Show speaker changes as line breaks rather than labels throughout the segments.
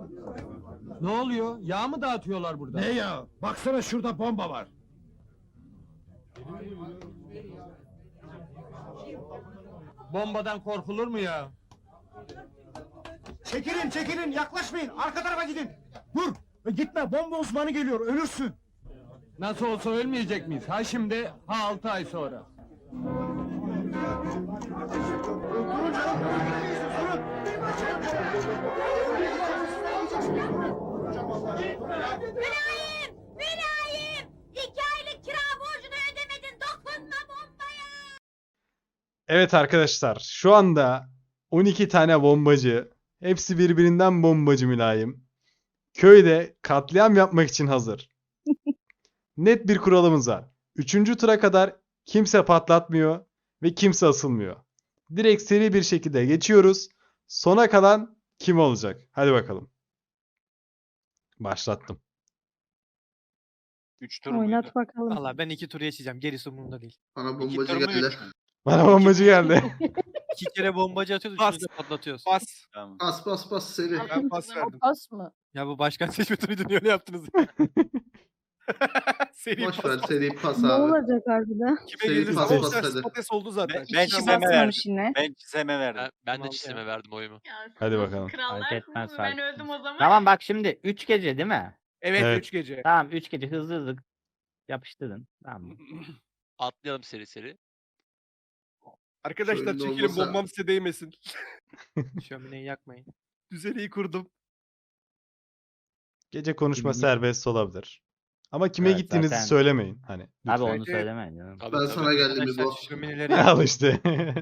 Ne oluyor? Yağ mı dağıtıyorlar burada?
Ne ya? Baksana şurada bomba var.
Bombadan korkulur mu ya?
Çekilin çekilin yaklaşmayın arka tarafa gidin. Dur gitme bomba uzmanı geliyor ölürsün.
Nasıl olsa ölmeyecek miyiz? Ha şimdi, ha 6 ay sonra.
Mülayim! Mülayim! 2 aylık kira borcunu ödemedin, dokunma bombaya!
Evet arkadaşlar, şu anda 12 tane bombacı, hepsi birbirinden bombacı mülayim. Köyde katliam yapmak için hazır. Net bir kuralımız var. 3. tura kadar kimse patlatmıyor ve kimse asılmıyor. Direkt seri bir şekilde geçiyoruz. Sona kalan kim olacak? Hadi bakalım. Başlattım.
3 tur muydu?
Oynat bakalım.
Valla ben 2 tur yaşayacağım. Gerisi umurumda değil.
Bana
2
bombacı
tur mu
geldiler.
3 mü?
Bana bombacı geldi.
2 kere bombacı atıyoruz,
Bas.
3'ünü de patlatıyoruz.
Bas. Tamam.
Bas bas bas seri.
Ben pas verdim.
Pas mı?
Ya bu başkan seçme turuydu, niye öyle yaptınız? Seri
Boş
pas.
ver seri pas
Ne
abi.
olacak harbiden?
Kime
Seri
gelirse
pas,
ama
pas, hadi.
Spates oldu zaten.
şey
Şimdi Ben
İki
çizeme verdim.
basmamış yine.
Ben çizeme verdim.
Ben de
Tamam
çizime
ya.
verdim oyumu.
Hadi bakalım.
Krallar
Fark etmez,
ben
fark
öldüm o zaman.
Tamam bak şimdi 3 gece değil mi?
Evet
Evet.
3 gece.
Tamam 3 gece hızlı hızlı yapıştırın. Tamam mı?
Atlayalım seri seri.
Arkadaşlar
Şöyle
çekilin
olmasa-
bombam size değmesin.
Şömineyi yakmayın.
Düzeni kurdum.
Gece konuşma
Kim-
serbest olabilir. Ama kime
Evet,
gittiğinizi
zaten-
söylemeyin. Hani
Abi
lütfen.
onu
Evet.
söylemeyin canım.
Tabii,
Ben
tabii.
sana geldim
Arkadaşlar
İbo.
şömineleri
Al işte.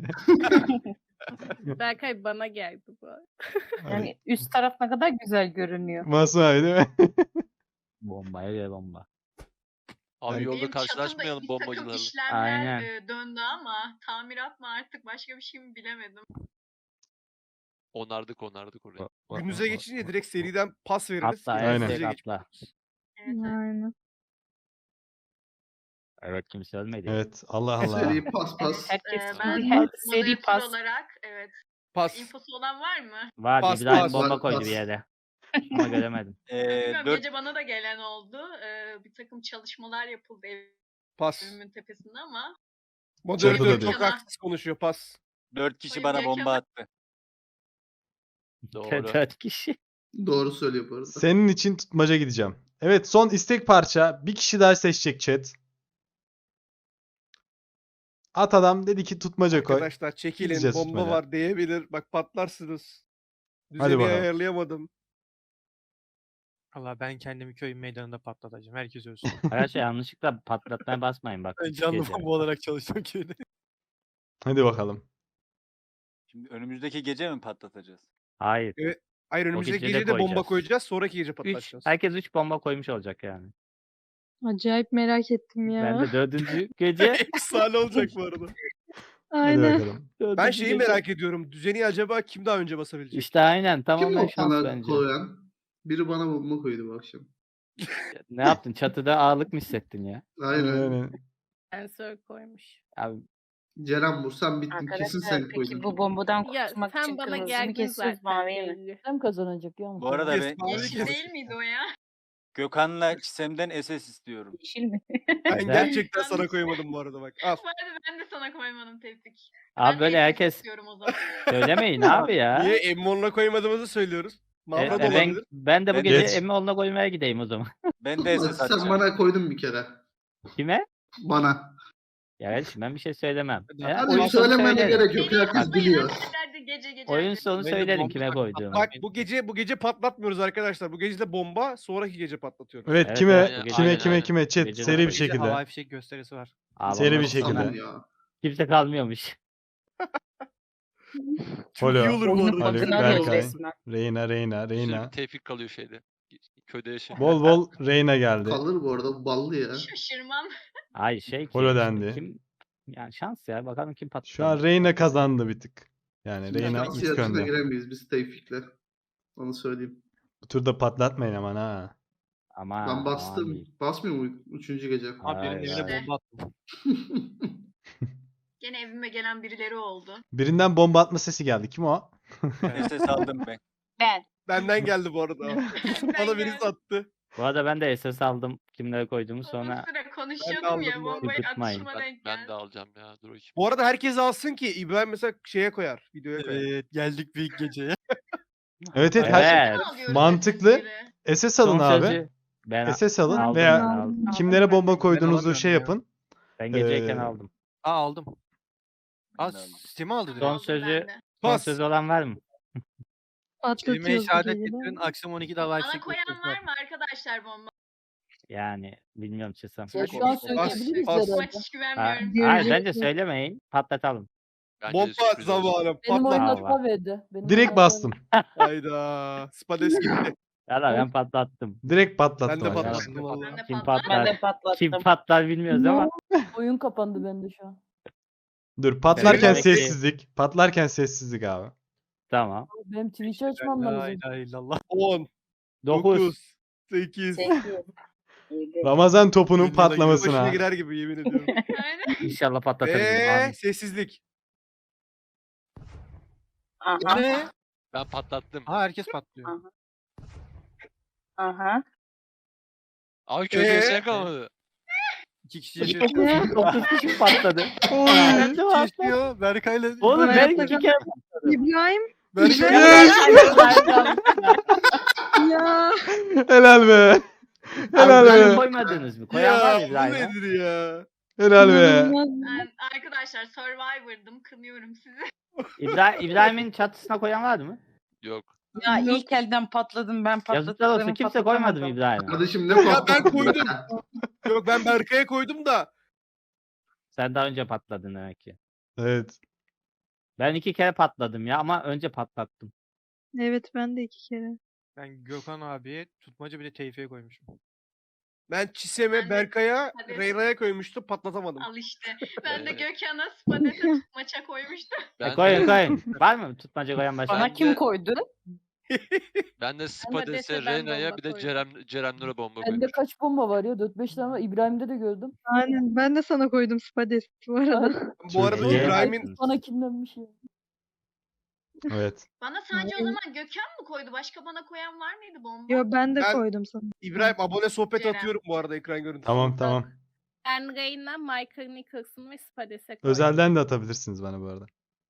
Berkay bana geldi bu.
Hani
Yani üst taraf ne kadar güzel görünüyor.
masaya değil mi?
Bombaya göre bomba.
Abi
Yani-
yolda
Benim
karşılaşmayalım
çatımda bir takım
bombacılarla.
işlemler
Aynen.
döndü ama tamirat mı artık başka bir şey mi bilemedim.
Onardık orayı.
Gününüze geçince direkt seriden pas veririz.
Atla
Aynen.
evet
Gece
atla.
Evet.
Aynen.
Evet kimse ölmedi.
Evet. Allah Allah.
Seri pas pas.
Herkes
Ben
seri
moderatör
pas.
olarak evet.
Pas.
İnfosu olan var mı?
Var
Pas,
İbrahim
pas,
bomba
pas,
koydu
pas.
bir yere. Ama göremedim.
Bilmiyorum,
4
gece bana da gelen oldu. Bir takım çalışmalar yapıldı
pas.
evimin tepesinde ama.
Moderatör
Çatıda
çok
diyor.
haksız konuşuyor pas.
4 kişi
Oyun
bana
yakama-
bomba attı. Doğru.
4 kişi.
Doğru söylüyor bu arada.
Senin için tutmaca gideceğim. Evet, son istek parça. Bir kişi daha seçecek chat. At adam dedi ki tutmaca koy.
Arkadaşlar çekilin
Gideceğiz
bomba
tutmaca.
var diyebilir. Bak patlarsınız.
Hadi
Düzeni
bakalım.
ayarlayamadım.
Valla ben kendimi köyün meydanında patlatacağım. Herkes ölsün.
Arkadaşlar yanlışlıkla patlatmaya basmayın bak.
Ben
üç
canlı
gece.
bomba olarak çalışıyorum köyde.
Hadi bakalım.
Şimdi önümüzdeki gece mi patlatacağız?
Hayır.
Hayır önümüzdeki
gece de
gece de bomba
koyacağız.
koyacağız. Sonraki gece
3.
patlatacağız.
Herkes 3 bomba koymuş olacak yani.
Acayip merak ettim ya.
Ben de 4. gece.
Efsane olacak bu arada.
Hadi
Aynen.
bakalım.
Ben
dördüncü
şeyi
gece.
merak ediyorum. Düzeni acaba kim daha önce basabilecek?
İşte aynen
Kim
tamamen
o
şans
bana
bence.
koyan? Biri bana bomba koydu bu akşam.
Ne yaptın? Çatıda ağırlık mı hissettin ya?
Aynen.
Yani
Sensör koymuş.
Abi
Ceren vursan bittin. Kesin sen koydun.
Peki bu bombadan
Ya
kurtulmak
sen
için
bana
kırmızı mı
geldin
kesiyoruz
zaten
maviyi mi?
belli.
Kim kazanacak ya?
Bu arada Yes, ben mavi
Yeşil
kes.
değil miydi o ya?
Gökhan'la Çisem'den SS istiyorum.
Yeşil mi?
Ben
Ben-
gerçekten sana koymadım bu arada bak. Al.
Bu arada ben de sana koymadım Tevfik.
Abi
Ben
böyle
de
herkes
istiyorum o zaman.
söylemeyin abi ya.
Niye Emmon'la koymadığımızı söylüyoruz. Mavra da
ben,
olabilir.
ben de bu
Ben-
gece
Geç.
Emmoğlu'na koymaya gideyim o zaman.
Ben de SS
Sen
atacağım.
bana koydun bir kere.
Kime?
Bana.
Ya kardeşim ben bir şey söylemem.
Hadi
Eğer
hadi
oyun
Hadi
sonu
söylemene
söylerim.
gerek yok. Herkes
Yapmayın,
biliyor.
hadi gece gece.
Oyun
hadi.
sonu
Böyle
söylerim
bomba
kime
patlatmak.
koyduğumu.
Bak bu gece patlatmıyoruz arkadaşlar. Bu gece de bomba, sonraki gece patlatıyoruz.
evet,
Evet,
kime
evet,
bu gece-
kime
aynen,
kime
aynen.
kime chat
Gece de
seri bir
koyacağız.
Gece
şekilde.
havai fişek gösterisi var.
Abi
Seri
ondan
bir şekilde.
Tamam ya.
kimse kalmıyormuş.
Çok
Holo,
iyi olur bu
Oyunun
arada.
Haluk,
bug'ını arıyoruz
Berkay.
resmen.
Reyna.
Tevfik kalıyor şeyde. Köyde yaşıyor.
Bol bol Reyna geldi.
Kalır bu arada. Bu ballı ya.
Şaşırmam.
Ay şey
Holo
işte,
dendi.
Kim, yani şans ya bakalım kim patlar.
Şu an Reyna kazandı bir tık. Yani Reyna
Nasıl
bir tık
yarışına
önde.
giremeyiz biz Tevfik'le. Onu söyleyeyim.
Bu turda patlatmayın aman ha.
Ama
Ben bastım. Basmıyor mu 3. gece?
Abi benim
Hayır,
evine
hayır.
bomba attım.
Gene evime gelen birileri oldu.
Birinden bomba atma sesi geldi. Kim o?
SS aldım ben.
Ben.
Benden geldi bu arada. Bana birisi attı.
Bu arada ben de SS aldım. Kimlere koyduğumu sonra
Uzun süre
Ben
konuşuyordum
de aldım
ya
bu arada.
bombayı
Tutmayın.
atışıma denk
Ben de
geldi.
alacağım ya. Dur bakayım.
Bu arada herkes alsın ki İbrahim mesela şeye koyar. Videoya koyar.
Evet geldik büyük geceye.
Evet evet.
Evet.
Ne alıyoruz
Mantıklı.
SS'leri?
SS alın
son
abi.
sözü ben
SS alın
aldım.
veya
ben aldım.
kimlere bomba koyduğunuzu
alamıyorum
şey
ya.
yapın.
Ben geceyken
Ee,
aldım.
Aa aldım. Aa Steam'i aldı direkt.
Son
Aldım
sözü
ben de.
son
Pas.
sözü olan var mı?
Kelime-i
Patlatıyoruz
şehadet
geceleri.
getirin. Akşam 12'de live
Bana
çekmek
koyan var mı arkadaşlar bomba?
Yani bilmiyorum Çesem.
Ya şu an söyleyebiliriz
Maç hiç
Ha,
güvenmiyorum.
hayır
Göreceğiz.
bence söylemeyin. Patlatalım.
Bence de
Bomba
sürpriz olsun.
zamanı.
Benim oyun
Patlat.
Bravo.
verdi.
Direkt bastım.
Hayda. Spades gitti.
Valla ben patlattım.
Direkt
Ben
patlattım.
de
arkadaşlar.
patlattım
Ben
valla.
de
Kim
patlar.
patlar? Kim patlar bilmiyoruz ama.
Oyun kapandı bende şu an.
Dur patlarken
Demek ki-
sessizlik. Patlarken sessizlik abi.
Tamam.
Benim Twitch'i açmam
La
lazım.
ilahe illallah.
10,
9.
9, 8.
Ramazan topunun
Başına
patlamasına.
girer gibi yemin ediyorum.
Aynen.
İnşallah patlatırız. Amin.
Sessizlik.
Ne?
Ben patlattım.
Ha herkes patlıyor.
Abi köyde
Ee?
yaşayan kalmadı.
2 kişi yaşıyor.
9 kişi patladı.
Ben de yaşıyor. Berkay'la.
Oğlum ben
Hayatta
2 kere
İbrahim
Berkay.
ya.
Helal be. Helal
İbrahim
be.
koymadınız mı? Koyan var mı
Ya bu
İbrahim'e?
nedir ya?
Helal be.
İnanılmaz.
Ben arkadaşlar Survivor'dım. Kınıyorum sizi.
İbrahim'in çatısına koyan var mı?
Yok.
Ya ilk elden patladım ben
Yazıklar olsun kimse koymadı mı İbrahim'e?
Kardeşim ne
Ya ben
patlattın
koydum.
be?
Yok ben Berkay'a koydum da.
Sen daha önce patladın demek ki.
Evet.
Ben 2 kere patladım ya ama önce patlattım.
Evet ben de 2 kere.
Ben Gökhan abiye tutmaca bir de Tevfik'e koymuşum.
Ben Çisem'e,
Ben de-
Berkay'a,
Hadi.
Reyna'ya koymuştum patlatamadım.
Al işte. Ben de Gökhan'a Spades'e maça koymuştum.
Ben
Koyun
de,
koyun. Var mı tutmaca koyan başka?
Bana kim
koydu?
ben de Spades'e,
Des'e ben
Reyna'ya
bomba
bir de
koydum.
Ceren'lere bomba
Bende
koymuşum.
kaç bomba var ya? 4-5 tane var. İbrahim'de de gördüm.
Aynen ben de sana koydum Spades bu arada.
Bu arada
iyi.
İbrahim'in
Bana kinlenmiş ya.
Evet.
Bana sadece o zaman Gökhan mı koydu? Başka bana koyan var mıydı bomba?
Yo ben de
Ben-
koydum sana.
İbrahim abone sohbet
Ceren.
atıyorum bu arada ekran görüntüsü.
Tamam tamam.
Ben Reyna, Michael Nicholson ve Spades'e koydum.
Özelden de atabilirsiniz bana bu arada.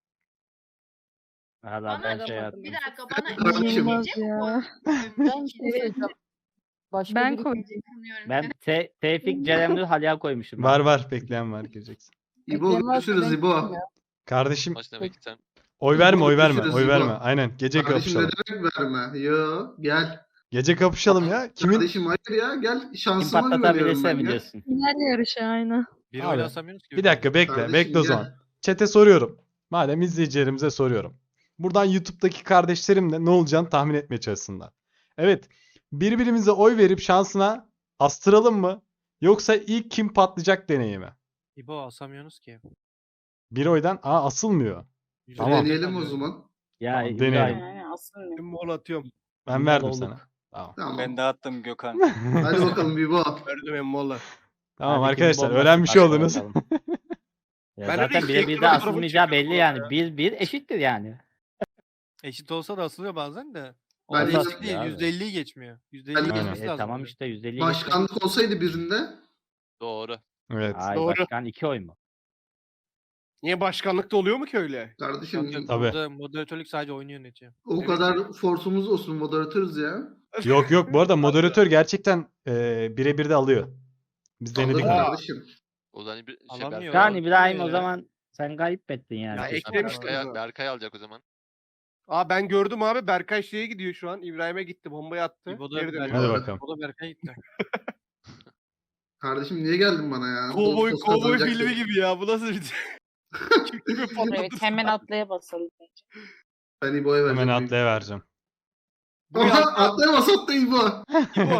Valla
Bana
ben şey
bir
yaptım.
dakika bana
Kardeşim.
İnanılmaz
gece mi
ya.
koymuş?
Ben şey söyleyeceğim. Başka
Ben
biri-
koydum.
Kınıyorum
Ben
seni.
Tevfik, Cerem'le Halil'e koymuşum.
Var var bekleyen var gireceksin.
İbo
Bekleyen varsa
görüşürüz
ben
İbo.
gideyim ya.
Kardeşim
Maç demek ki sen.
oy verme oy verme
Görüşürüz
oy
İbo.
verme. Aynen gece
Kardeşim ne
kapışalım.
demek verme? Yo gel.
Gece kapışalım ya. Kimin?
Kardeşim hayır ya gel
Kim
şansıma güveniyorum
patlatabilirse
ben ya.
biliyorsun.
Final yarışı aynen.
Bir
Abi,
oyla asamıyoruz ki.
Bir dakika bekle
Kardeşim
bekle o
gel.
zaman. Chat'e soruyorum. Madem izleyicilerimize soruyorum. Buradan YouTube'daki kardeşlerim de ne olacağını tahmin etmeye çalışsınlar. Evet. Birbirimize oy verip şansına astıralım mı? Yoksa ilk kim patlayacak deneyimi?
İbo asamıyorsunuz ki.
Bir oydan asılmıyor. Tamam.
Deneyelim o zaman.
Ya
Tamam,
İbrahim.
deneyelim.
Ben mol atıyorum.
Ben
Mal
verdim
olduk.
sana. Tamam.
Tamam.
dağıttım Gökhan.
Hadi bakalım İbo.
Verdim emmola.
Tamam
Hadi
arkadaşlar
kimin
öğrenmiş
bombası
oldunuz.
başka bakalım. Ya
Ben öyle
zaten
iki
birebir de
ekran fotoğrafı
asılmayacağı belli
çekiyorum
yani.
ya.
1-1 eşittir yani.
Eşit olsa da asılıyor bazen de.
Ben
Olsa
hiç-
değil.
Abi.
%50'yi geçmiyor. %50'yi
Aynen.
geçmesi lazım.
Tamam işte %50
Başkanlık olsaydı birinde
Doğru.
Evet.
Ay
Doğru.
başkan 2 oy mu?
Niye başkanlıkta oluyor mu ki öyle?
kardeşim
Yok yok.
Tabii.
Burada moderatörlük sadece oyunu yönetiyor.
o
Evet.
kadar forsumuz olsun moderatörüz ya.
Yok yok bu arada moderatör gerçekten birebir de alıyor. Biz denedik
Alır
bunu.
kardeşim.
O zaman bir
Alamıyor.
Yani İbrahim o
ya.
zaman sen kayıp ettin yani.
Ya
kesin.
eklemiştim
Berkay,
zaten.
Berkay alacak o zaman.
Aa ben gördüm abi Berkay şeye gidiyor şu an. İbrahim'e gitti bombayı attı.
İbo da
Geri dönüyor.
Hadi
Berkay,
bakalım.
o da Berkay gitti.
Kardeşim niye geldin bana ya?
Kovboy
Dost
kovboy
kazanacaksın.
filmi gibi ya. Bu nasıl bir Kim kimi patlatırsın?
atlaya basalım.
Ben İbo'ya vereceğim.
Hemen atlaya vereceğim.
Aha atlayamaz atla İbo.
İbo.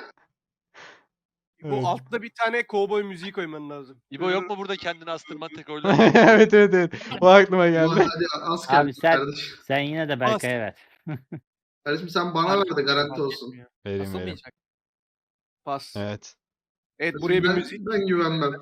Bu
Evet.
altta bir tane kovboy müziği koyman lazım.
İbo yok mu burada kendini astırman tek oyla?
evet evet evet. O aklıma
İbo,
geldi.
hadi az
Abi
kaldı
sen-
kardeşim.
Sen yine de Berkay'a ver.
Kardeşim sen bana ver de garanti
Fark
olsun.
etmiyor.
Vereyim vereyim.
Asılmayacak.
Pas. Evet,
Evet.
buraya bir
ben,
müzik.
ben güvenmem.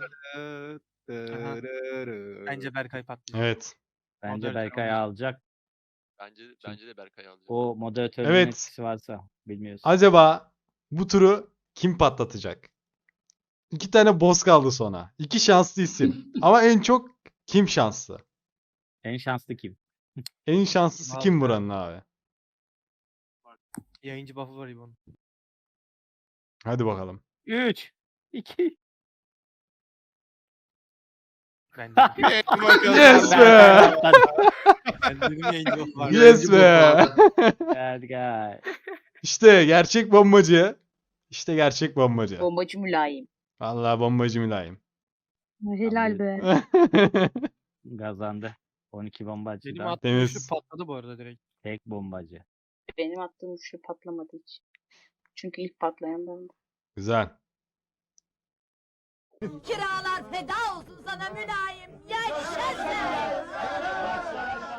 Bence Berkay patlayacak.
Evet.
Bence
Moderatör
Berkay
olacak.
alacak.
Bence de Berkay alacak.
O moderatörün
Evet.
etkisi varsa bilmiyoruz.
Acaba bu turu kim patlatacak? 2 tane boss kaldı sonra. 2 şanslı isim. Ama en çok kim şanslı?
En şanslı kim?
En şanslısı kim
Vallahi.
buranın abi?
Yayıncı buff'ı var İbo'nun.
Hadi bakalım.
3, 2.
Ben dedim.
Yes be!
Ben dedim yayıncı buff'ı var.
Yes be!
Bad guy.
İşte gerçek bombacı. İşte gerçek bombacı.
Bombacı mülayim.
Vallahi bombacı mülayim.
Helal be.
Kazandı. 12 bombacı
Benim
da
attığım
Deniz.
üçlü patladı bu arada direkt.
tek bombacı.
Benim attığım üçlü patlamadı hiç. Çünkü ilk patlayan bendim.
Güzel.
Kiralar feda olsun sana mülayim. Yaşasın.